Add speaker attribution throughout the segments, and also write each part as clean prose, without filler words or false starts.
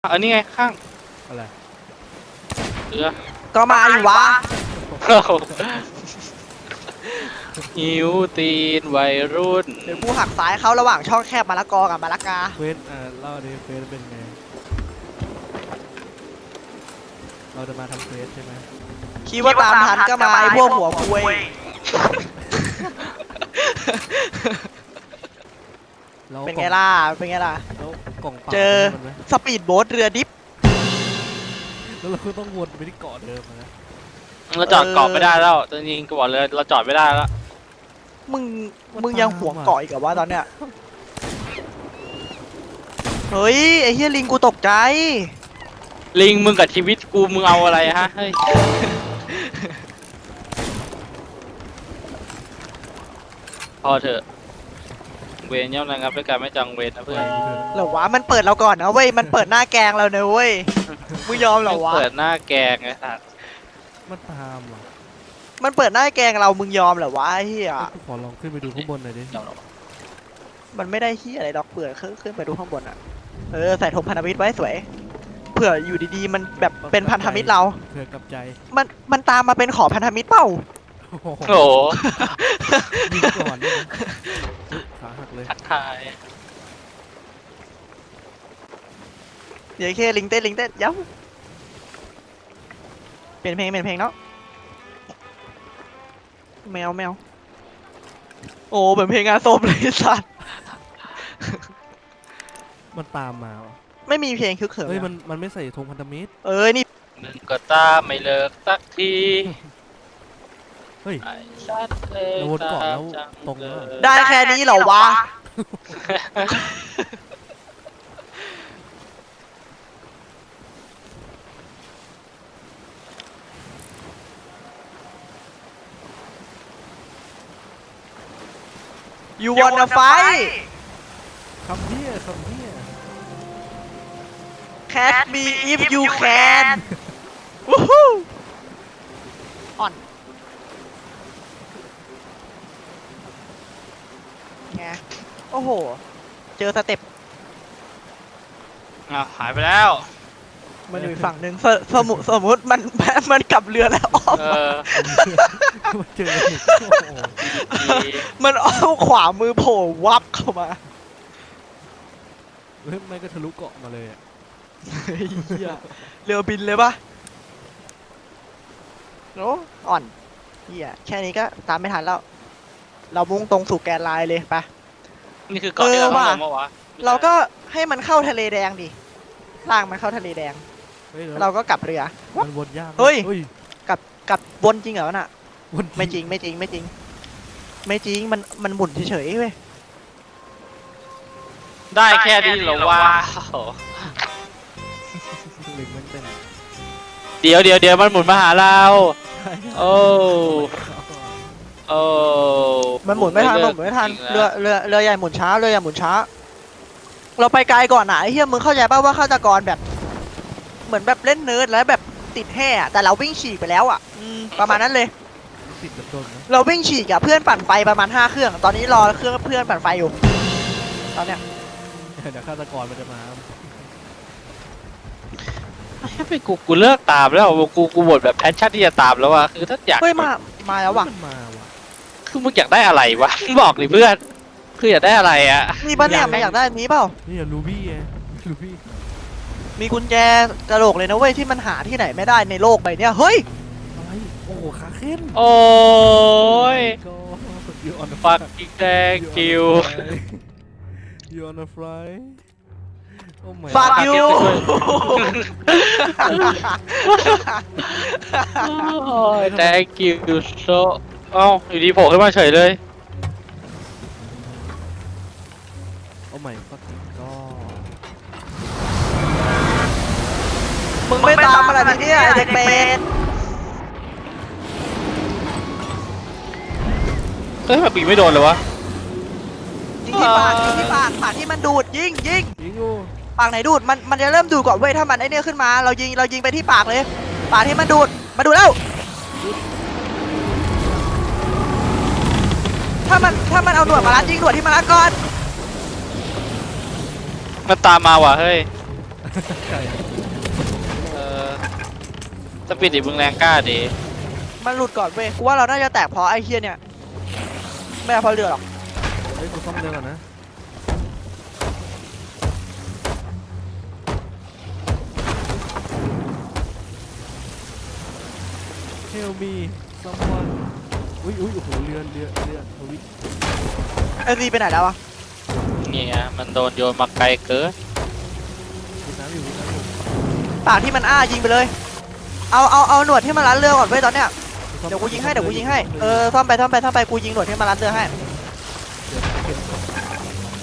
Speaker 1: อันนี้ไงข้าง
Speaker 2: อะไร
Speaker 3: ก็มาดิวะ
Speaker 1: หิวตีนวัยรุ่น
Speaker 3: เดี๋ยวกูหักซ้ายเขาระหว่างช่องแคบมะละกอกับมะละกา
Speaker 2: เฟสเล่าดิเฟสเป็นไงเราจะมาทำเฟสใช่ไหม
Speaker 3: คิดว่าตามทันก็มาไอ้พวกหัวคุยเป็นไงล่ะเป็นไงล่ะ
Speaker 2: แล้วกล่องเปล่า
Speaker 3: เจอสปีดโบ๊ทเรือดิฟ
Speaker 2: แล้วเราก็ต้องวนไปที่เกาะเดิมนะ
Speaker 1: เราจอดเกาะไม่ได้แล้วจริงๆก็บอกเลยเราจอดไม่ได้แล้ว
Speaker 3: มึงยังห่วงเกาะอีกเหรอวะตอนเนี้ยเฮ้ยไอ้เฮียลิงกูตกใจ
Speaker 1: ลิงมึงกับชีวิตกูมึงเอาอะไรฮะเฮ้ยพอเถอะเวรย่อมระงับด้วยการไม่จังเวรนะเพื่อน
Speaker 3: เหรอวะมันเปิดเราก่อนนะเว้ยมันเปิดหน้าแกงเราเนอะเว้ยมึงยอมเหรอวะ
Speaker 1: เปิดหน้าแกงไงสัตว์
Speaker 2: มันตามอ่ะ
Speaker 3: มันเปิดหน้าแกงเรามึงยอมเหรอวะไอ้เฮีย
Speaker 2: ขอลองขึ้นไปดูข้างบนหน่อยดิ
Speaker 3: มันไม่ได้เฮียอะไรดอกเปลือกขึ้นไปดูข้างบนอ่ะใส่ธงพันธมิตรไว้สวยเผื่ออยู่ดีๆมันแบบเป็นพันธมิตรเรา
Speaker 2: เผื่อกับใจ
Speaker 3: มันตามมาเป็นขอพันธมิตรเปล่า
Speaker 1: โอ้โห
Speaker 2: ยิงก่อนเลยขาหักเลย
Speaker 1: ทักทาย
Speaker 3: เดี๋ยวแค่ลิงเต้นย้ำเปลี่ยนเพลงเนาะแมวโอ้เป็นเพลงงานศพเลยสัตว์
Speaker 2: มันตามมา
Speaker 3: ไม่มีเพลงคึกเขิม
Speaker 2: เฮ้ยมันไม่ใส่ธงพันธมิตร
Speaker 3: นี่
Speaker 1: มึงก็ตามไม่เลิกสักที
Speaker 2: เฮ้ย
Speaker 1: ชัดเลย
Speaker 2: วนเกาะแล้วตรงแล้ว
Speaker 3: ได้แค่นี้เหรอวะYou wanna fight?
Speaker 2: Come here
Speaker 3: Catch me if you can วู้ฮู้อ่อนไงโอ้โหเจอสเต็ป
Speaker 1: หายไปแล้ว
Speaker 3: มันอยู่ฝั่งหนึ่งสมมุติมันกลับเรือแล้วอ้อม
Speaker 2: เจอ
Speaker 3: มันอ้อมขวามือโผล่วับเข้ามา
Speaker 2: ไม่ก็ทะลุเกาะมาเลย
Speaker 3: เรือบินเลยปะโอ้อ่อนเฮียแค่นี้ก็ตามไม่ทันแล้วเรามุ่งตรงสู่แกนไลน์เลยไป
Speaker 1: นี่คือเกาะที่เราต้องลงมาวะ
Speaker 3: เราก็ให้มันเข้าทะเลแดงดิล่างมันเข้าทะเลแดงเราก็กลับเรือ
Speaker 2: มันวนยาก
Speaker 3: เฮ้ยกลับวนจริงเหรอน่ะไม่จริงมันหมุนเฉยๆเว้ย
Speaker 1: ได้แค่นี้เหรอวะเดี๋ยวมันหมุนมาหาเราโอ้
Speaker 3: มันหมุนไม่ทันเรือใหญ่หมุนช้าเราไปไกลก่อนนะไอ้เหี้ยมึงเข้าใจป่ะว่าฆาตกรแบบเหมือนแบบเล่นเนิร์ดแล้วแบบติดแห่แต่เราวิ่งฉีกไปแล้วอ่ะประมาณนั้นเลยเราวิ่งฉีกกับเพื่อนปั่นไฟประมาณ5 เครื่องตอนนี้รอเครื่องเพื่อนปั่นไฟอยู่ตอนเนี้ย
Speaker 2: เดี๋ยวฆาตกรมันจะมา
Speaker 1: ไปกูเลิกตามแล้วกูบ่นแบบแพชชั่นที่จะตามแล้วว่ะคือถ้าอยาก
Speaker 3: เฮ้ยมาแล้วว่ะ
Speaker 1: คือมึงอยากได้อะไรวะบอกดิเพื่อนคืออยากได้อะไรอ่ะ
Speaker 3: มีบ้านเนี่ยอยากได้นี้เปล่า
Speaker 2: นี่ลูบี้
Speaker 3: มีกุญแจกระโหลกเลยนะเว้ยที่มันหาที่ไหนไม่ได้ในโลกใบนี้เฮ้ย
Speaker 2: อะไรโอ้ขาเข้น
Speaker 1: โอ้ยฟักกิ๊กแดงคิว
Speaker 2: You on a fly
Speaker 3: Fuck you
Speaker 1: thank you so เอ้าอยู่ดีโผล่ขึ้นมาเฉยเลย
Speaker 2: โอ้ my fucking god
Speaker 3: มึงไม่ตามอะไรทีเนี้ยเด็กเป็ด
Speaker 1: เฮ้ยมันปีไม่โดนเลยวะ
Speaker 3: ยิงที่ปากที่มันดูดยิงปากไหนดูดมันจะเริ่มดูดก่อนเว้ยถ้ามันไอเนี้ยขึ้นมาเรายิงไปที่ปากเลยปากที่มันดูดมาดูแล้วถ้ามันเอาหนวดมาลัดยิงหนวดที่มันลัดก่อน
Speaker 1: มันตามมาว่ะเฮ้ย
Speaker 2: ใช่
Speaker 1: เออสปิริตมึงแรงกล้าดี
Speaker 3: มันหลุดก่อนเว้ยกูว่าเราน่าจะแตกเพราะไอ้เฮียเนี่ยไม่เพราะเรือหรอก
Speaker 2: เฮ้ยกูซ่อมเรือก่อนนะเฮลมีซัมวันอุ้ยโอ้โหเรือทวิต
Speaker 3: ไอ้ซีไปไหนแล้ววะ
Speaker 1: เนี่ยมันโดนโยนมาไกลเกิน
Speaker 2: วิดน้ำอยู่วิดน้ำอยู่
Speaker 3: ปากที่มันอ้ายิงไปเลยเอาหนวดที่มันรัดเรือก่อนเว้ยตอนเนี้ยเดี๋ยวกูยิงให้ซ่อมไปกูยิงหนวดที่มันรัดเรือให้
Speaker 2: เดี๋ยวเก็บขับเวลา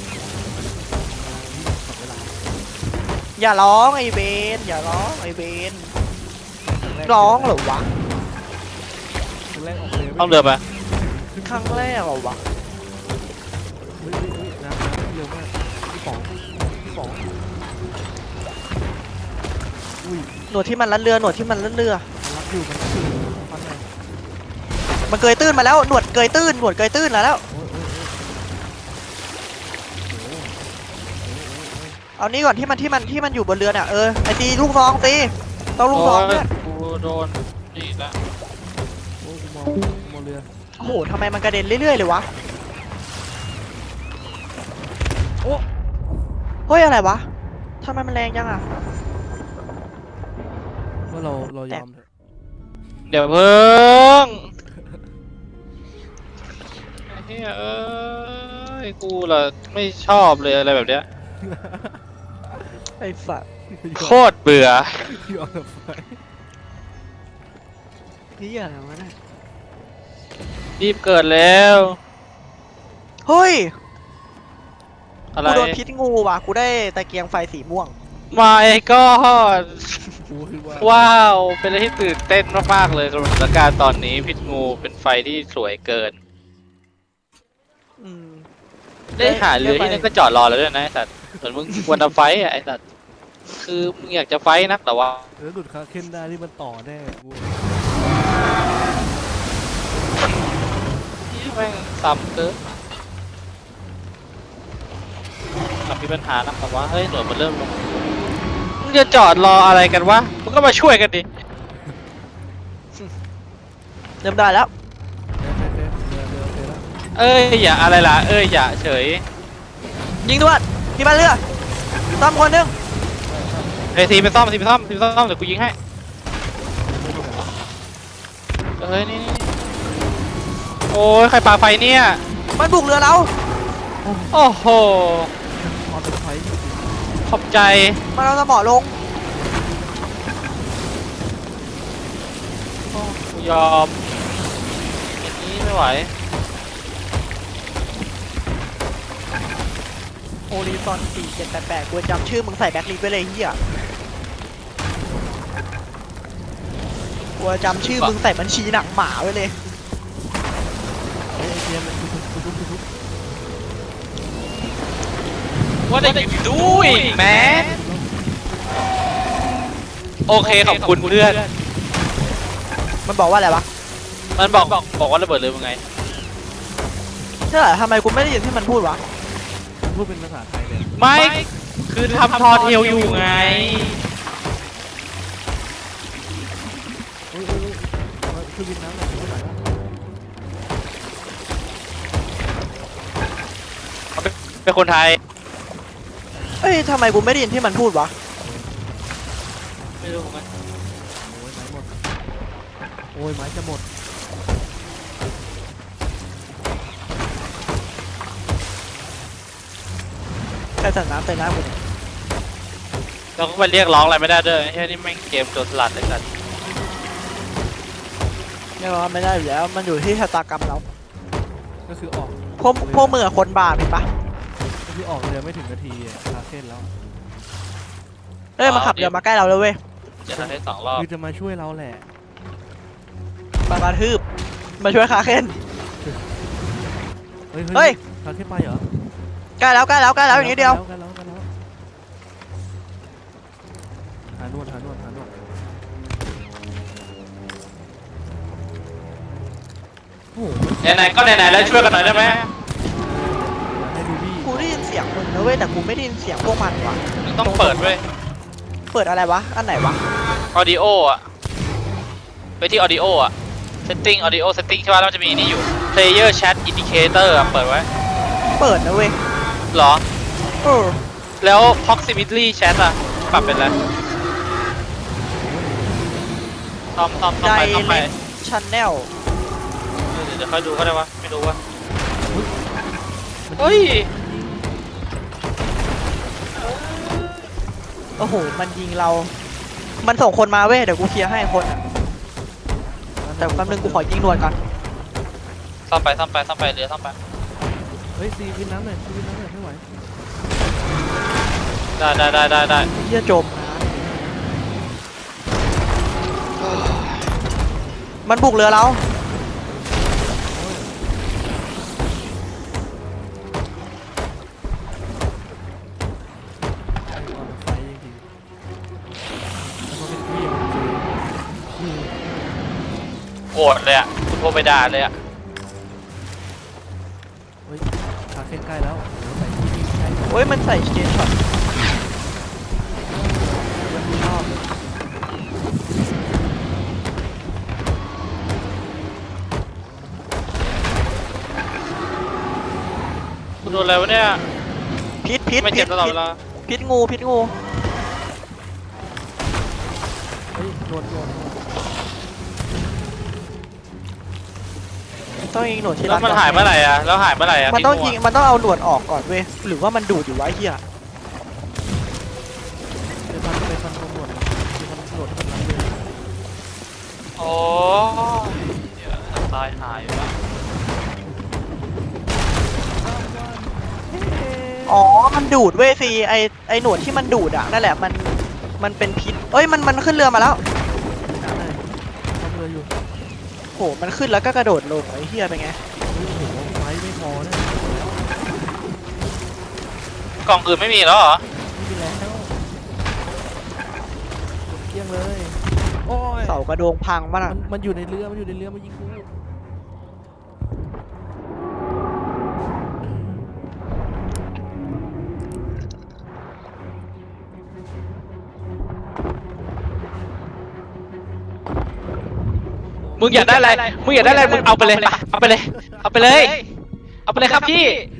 Speaker 3: อย่าร้องไอ้เบนอย่าร้องไอ้เบนร้องเหรอวะ
Speaker 2: ครั้งแรกออกเรือ
Speaker 1: ต้องเรือไป
Speaker 3: ครั้งแรกเหรอวะ
Speaker 2: เฮ้ยน้ำเร็วมากพี่ป๋องอุ้ย
Speaker 3: หนวดที่มันรัดเรือ
Speaker 2: มันรักอยู่มันฟันไหน
Speaker 3: มันเกยตื้นมาแล้วหนวดเกยตื้นแล้ว
Speaker 2: โอ้ยโอ้ย
Speaker 3: เอานี้ก่อนที่มันอยู่บนเรือเนี่ยไอ้ตีลูกซองตีต้องลูกซองเนี่ย
Speaker 1: กูโดนนี่ละ
Speaker 2: โอ้ยกูมองเรือ
Speaker 3: โอ้โหทำไมมันกระเด็นเรื่อยๆเลยวะโอ้เฮ้ยอะไรวะทำไมมันแรงจังอะ
Speaker 2: ว่าเรายอมเถอะ
Speaker 1: เดี๋ยวเพิ่งไอ้เหี้ยเอ้ยกูล่ะไม่ชอบเลยอะไรแบบเนี้ย
Speaker 3: ไอ้ฝัด
Speaker 1: โคตรเบื่อย
Speaker 2: อมไป
Speaker 3: นี่อะไรวะเนี่ย
Speaker 1: รีบเกิดแล้ว
Speaker 3: เฮ้ย
Speaker 1: อะไร
Speaker 3: กูโดนพิษงูว่ะกูได้ตะเกียงไฟสีม่วง
Speaker 1: มาไอ้ก้อน
Speaker 2: กูคือว่า
Speaker 1: ว้าว เป็นอะไรที่ตื่นเต้นมากๆเลยสำหรับสถานการณ์ตอนนี้พิษงูเป็นไฟที่สวยเกิน
Speaker 3: อืม
Speaker 1: ได้หาเรือที่นั่นก็จอดรอแล้วด้วยนะไอ้สัตว์เหมือนมึงควรจะไฟท์อ่ะไอ้สัตว์คือมึงอยากจะไฟท์นักแต่ว่า
Speaker 2: ดูดคาเคนได้ที่มันต่อแน่กู
Speaker 1: แม่งซ้ำเกินมีปัญหานักแต่ว่าเฮ้ยหน่วยมันเริ่มลงมึงจะจอดรออะไรกันวะมึงก็มาช่วยกันดิ
Speaker 3: เริ่มได้แล้ว
Speaker 2: เรือแล้ว
Speaker 1: เอ้ยอย่าอะไรล่ะเอ้ยอย่าเฉย
Speaker 3: ยิงด้วยที่บ้านเรือซ่อมคนหนึง
Speaker 1: เฮ้ยทีไปซ่อมเดี๋ยวกูยิงให้เฮ้ยนี่โอ้ยใครปาไฟเนี่ย
Speaker 3: มันบุกเรือเรา
Speaker 1: โอ้โห
Speaker 2: ออโต้ไฟจริง
Speaker 1: ขอบใจ
Speaker 3: มันเอาสมอลง
Speaker 1: กูยอมอย่างนี้ไม่ไหว
Speaker 3: โอริซอน4788กูจำชื่อมึงใส่แบ็คลิสต์ไว้เลยเฮียกูจำชื่อมึงใส่บัญชีหนังหมาไว้เลย
Speaker 2: ๆไอ้เทียนทุบ
Speaker 1: What are you doing man โอเคขอบคุณเพื่อน
Speaker 3: มันบอกว่าอะไรวะ
Speaker 1: มันบอกว่าระเบิดเลยมึงไง
Speaker 3: ใช่เหรอทำไมกูไม่ได้ยินที่มันพูดวะ
Speaker 2: พูดเป็นภาษาไทยเลย
Speaker 1: ไม่ คือทำทอเทลอยู่ไง
Speaker 2: โอ้ยคือวินน้ำหน่อยไม่ไหวแล้ว
Speaker 1: เป็นคนไทย
Speaker 3: เอ้ยทำไมกูไม่ได้ยินที่มันพูดวะ
Speaker 1: ไม่รู้เหมือนกัน
Speaker 2: โอ้ยไม้จะหมด
Speaker 3: ใครสั่งน้ำเต็มน้ำกูเนี่ย
Speaker 1: เราก็ไปเรียกร้องอะไรไม่ได้ด้วยไอ้นี่แม่งเกมโจรสลัดเลยกัน
Speaker 3: ยังรอไม่ได้อยู่แล้ว มันอยู่ที่ชะตากรรมเรา
Speaker 2: ก็คือออก
Speaker 3: พวกมือะคนบาปเห็นปะ
Speaker 2: ก็คือออกเรือไม่ถึงนาทีคาเส้นแล้ว
Speaker 3: เอ้ยมาขับเรือมาใกล้เราเลยเว้ย
Speaker 1: จะทำให้2 รอบ
Speaker 2: คือจะมาช่วยเราแหละ
Speaker 3: มากระทืบมาช่วยคาเคน
Speaker 2: เฮ้ยคาเส้นไปเหรอ
Speaker 3: ใกล้แล้วอย่างนี้เดียว
Speaker 2: กันแล้วหานวดโอ้โห
Speaker 1: ไหนๆก็ไหนๆแล้วช่วยกันหน่อยได้ไหม
Speaker 2: ให้ดูดิ
Speaker 3: กูได้ยินเสียงมึงนะเว้ยแต่กูไม่ได้ยินเสียงพวกมันวะ
Speaker 1: มึงต้องเปิดเว้ย
Speaker 3: เปิดอะไรวะอันไหนวะ
Speaker 1: audio อะไปที่ audio อะ setting audio setting ใช่ป่ะแล้วมันจะมีนี่อยู่ player chat indicator อะเปิดไว้
Speaker 3: เปิดนะเว้ย
Speaker 1: เหรอ
Speaker 3: เออ
Speaker 1: แล้ว proximity chat อะปรับเป็นอะไรซ่อมไป
Speaker 3: Direct Channel
Speaker 1: เดี๋ยวค่อยดูก็ได้วะไม่รู้วะเฮ้ย
Speaker 3: โอ้โหมันยิงเรา มันส่งคนมาเว้ยเดี๋ยวกูเคลียร์ให้คนอะแต่แป๊บนึงกูขอยิงหนวดก่อน
Speaker 1: ซ่อมไปเรือซ่อมไป
Speaker 2: เฮ้ยซีวินน้ำหน่อยซีวินน้ำหน่อยไม่ไหว
Speaker 1: ได้
Speaker 3: เหี้ยจมมันบุกเรือเรา
Speaker 2: ไอ้ก่อนไฟจริงๆแล้วก็เป็นพี่มันเจอชื่อ
Speaker 1: โกรธเลยอะคุณโทรไปด่าเลยอะ
Speaker 2: เฮ้ยขาเส้นใกล้แล้วโอ้โหใส่ที่ใกล้
Speaker 3: เฮ้ยมันใส่เชนช็อต
Speaker 2: มันมีรอบเลย
Speaker 1: คุณโดนอะไรวะเนี่ย
Speaker 3: พิษ
Speaker 1: ไม่เจ็บตลอดเวลา
Speaker 3: พิษงู
Speaker 2: เฮ้ยโดน
Speaker 3: ต้องยิงหนวดที่
Speaker 1: แล้
Speaker 3: รั
Speaker 1: วมันหายเมื่อไหร่อะแล้วหายเมื่อไหร่อะ
Speaker 3: มันต้อง
Speaker 1: ที่
Speaker 3: ยิงมันต้องเอาหนวดออกก่อนเว้ยหรือว่ามันดูดอยู่วะไอ้เหี้ย
Speaker 2: ไปฟันตำรวจไปฟันตำรวจที่มันรับเลย
Speaker 1: โอ้เดี๋ยวตายหายวะ
Speaker 3: อ๋อมันดูดเว้ยซีไอหนวดที่มันดูดอ่ะนั่นแหละมันเป็นพิษเอ้ยมันขึ้นเรือมาแล้ว
Speaker 2: น้ำเลยทำเรืออยู่
Speaker 3: โหมันขึ้นแล้วก็กระโดดลงไอ้เหี้ยเป็นไง
Speaker 2: เฮ้ยโอ้โหไฟไม่พอเนี่ย
Speaker 1: กล่องอื่นไม่มีแล้วเหรอ
Speaker 2: ไม่มีแล้วหมดเกลี้ยงเลยโอ้ย
Speaker 3: เสากระโดงพังมันอ่ะ
Speaker 2: มันอยู่ในเรือมันอยู่ในเรือมันยิงกู
Speaker 1: มึงอยากได้อะไรมึงเอาไปเลยไปเอาไปเลยครับพี่